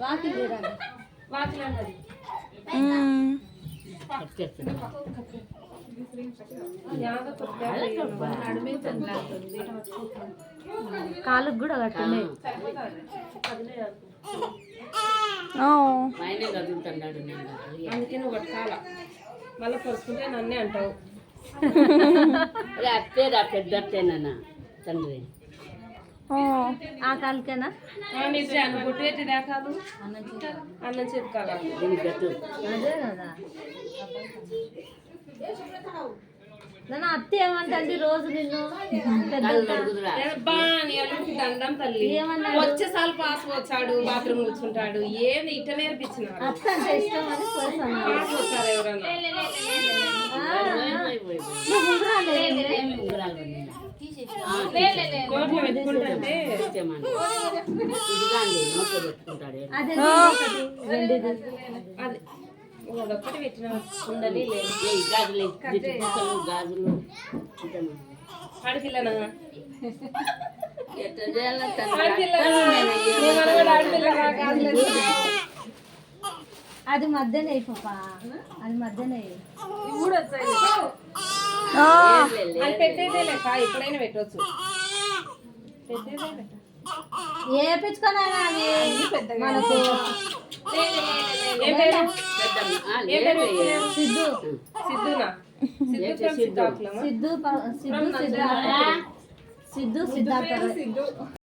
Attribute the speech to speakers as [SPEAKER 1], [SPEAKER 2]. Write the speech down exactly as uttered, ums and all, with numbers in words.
[SPEAKER 1] కాలుకు కూడా కట్టున్నాయి.
[SPEAKER 2] అందుకే నువ్వు కట్టుకోవాలా, మళ్ళీ పరుచుకుంటే నన్నే అంటావు.
[SPEAKER 3] అత్తేరా పెద్ద అత్తేనా తండ్రి
[SPEAKER 1] ఆ కాలుకేనా
[SPEAKER 2] నిజాను గుట్టేటి దాకాదు అన్నం చెప్పుకోవాలి.
[SPEAKER 3] దీనికి గట్టు
[SPEAKER 1] అదే కదా. నన్ను అత్త ఏమంటుంది రోజు నిన్ను
[SPEAKER 2] బాగా దండం తల్లి వచ్చేసారి పాస్ వచ్చాడు, బాత్రూమ్ కూర్చుంటాడు, ఏది ఇట నేర్పించిన
[SPEAKER 1] అత్త అంటే ఇష్టం అని
[SPEAKER 2] పాస్ వచ్చారు ఎవరన్నా. నోట్లో పెట్టుకుంటే అది ఒక్కటి పెట్టిన ఉందని
[SPEAKER 3] గాజులు గాజులు
[SPEAKER 2] ఆడపిల్లనా
[SPEAKER 1] అది మధ్యనే పాపా, అది మధ్యనే
[SPEAKER 2] అది పెట్టేదే లెక్క, ఎప్పుడైనా పెట్టవచ్చు.
[SPEAKER 1] ఏపించుకోనా మనకు సిద్ధు
[SPEAKER 2] సిద్ధునా
[SPEAKER 1] సిద్ధు సిద్ధు సిద్ధు సిద్ధార్థ